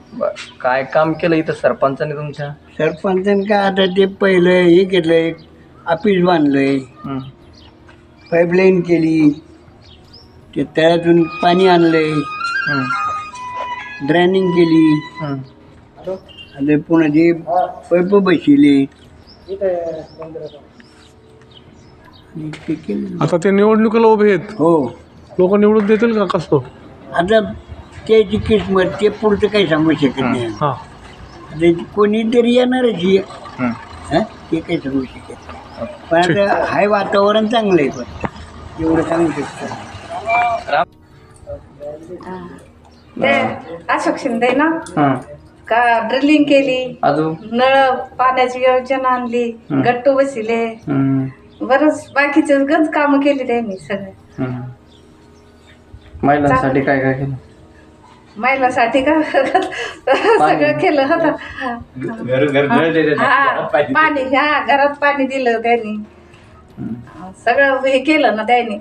बरं, काय काम केलं इथं सरपंचाने तुमच्या? सरपंचाने काय आता ते पहिलं हे घेतलंय, ऑफिस बांधलंय, हं, पाईपलाईन केली, ते तळ्यातून पाणी आणलंय, हं, ड्रेनिंग केली, हं. आणि पुन्हा ते पैप बसवले आणि ते केलं. आता ते निवडणुकीला उभे आहेत, हो, लोक निवडून देतील का कसं? आता त्याची किस्मत ते पुढचं काही सांगू शकत नाही. हां, आता कोणीतरी येणारच आहे. हं. हं? ते काही सांगू शकत नाही. पण आता हाय वातावरण चांगलं आहे, पण एवढं सांगू शकतो. ते अशोक शिंदे ना हं. का ड्रिलिंग केली, अजून? नळ पाण्याची योजना आणली, हं. गट्टू बसिले, हं, बरंच बाकीचे गंज कामं केली त्यांनी सगळे. हं. महिलांसाठी काय काय केलं? महिलासाठी का सगळं केलं होतं. पाणी, हा घरात पाणी दिलं त्यांनी, सगळं हे केलं ना त्यांनी.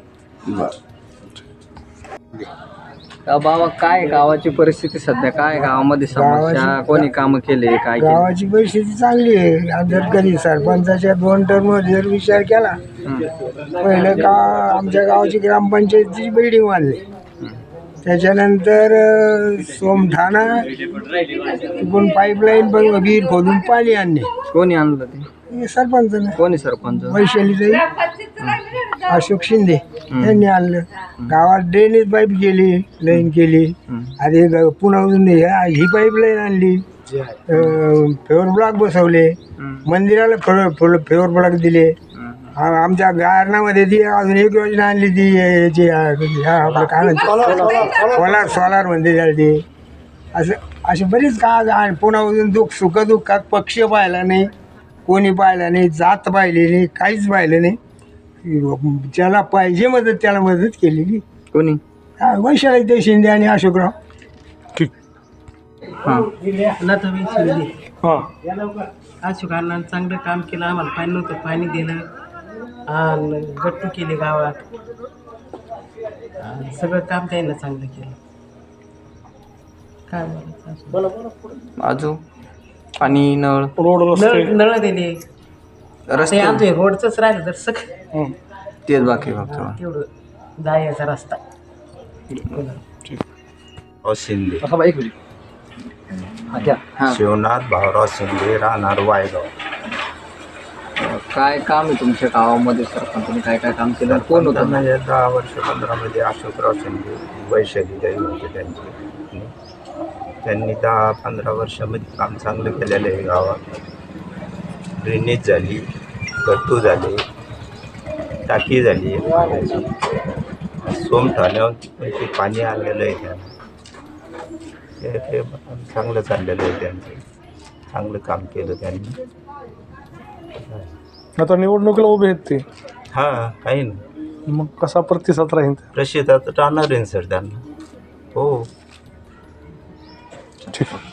बाबा, काय गावाची परिस्थिती सध्या? काय गावामध्ये समस्या? कोणी काम केले? काय केले? गावाची परिस्थिती चांगली आहे. जर कधी सरपंचाच्या 2 टर्म जर विचार केला, पहिलं का आमच्या गावाची ग्रामपंचायतीची बिल्डिंग बांधली, त्याच्यानंतर सोमठाणा तिकडून पाईपलाईन पण विहीर खोदून पाणी आणणे, कोणी आणलं ते? हे सरपंचाने, कोणी सरपंच? वैशालीताई अशोक शिंदे यांनी आणलं. गावात ड्रेनेज पाईप केली, लाईन केली, आधी पुन्हा ही पाईपलाईन आणली, फेवर ब्लॉक बसवले, मंदिराला फेवर ब्लॉक दिले. आमच्या गारणामध्ये ती अजून एक योजना आणली, ती याची आपलं काय म्हणते सोलार म्हणते त्याला ते. असे बरीच का पुन्हा अजून सुखदुःखात पक्ष पाहिला नाही, कोणी पाहिलं नाही, जात पाहिली नाही, काहीच पाहिलं नाही. ज्याला पाहिजे मदत त्याला मदत केलेली. कोणी? वैशालीताई शिंदे आणि अशोकराव. ठीक. हां. अशोकांना चांगलं काम केलं. आम्हाला पाणी नव्हतं, पाणी दिलं, आणि गट्टू केले गावात, सगळं काम त्यांना चांगलं केलं. काय बोलायचं अजून? पाणी, नळ, रोड, रस्ते, नळ दिले. रस्ते? आमचं रोडचंच राहिलं तर सगळं तेच बाकी फक्त. तेवढं जायचा रस्ता. शिंदे, हां. शिवनाथ भाऊराव शिंदे, राहणार वायगाव. काय काम आहे तुमच्या गावामध्ये? सरपंचाने काय काय काम केलं? कोण होतं? 10 वर्ष 15 मध्ये अशोकराव शिंदे, वैशालीताई होते त्यांचे. त्यांनी 10-15 वर्षामध्ये काम चांगलं केलेलं आहे. गावात ड्रेनेज झाली, गट्टू झाले, टाकी झाली पाण्याची, सोमठाण्यावर पाणी आणलेलं आहे त्यांना. ते चांगलं चाललेलं आहे त्यांचं, चांगलं काम केलं त्यांनी. आता निवडणुकीला उभे आहेत ते, हां, काही नाही, मग कसा प्रतिसाद राहील? प्रसिद्धात राहणार आहे सर त्यांना. हो, ठीक.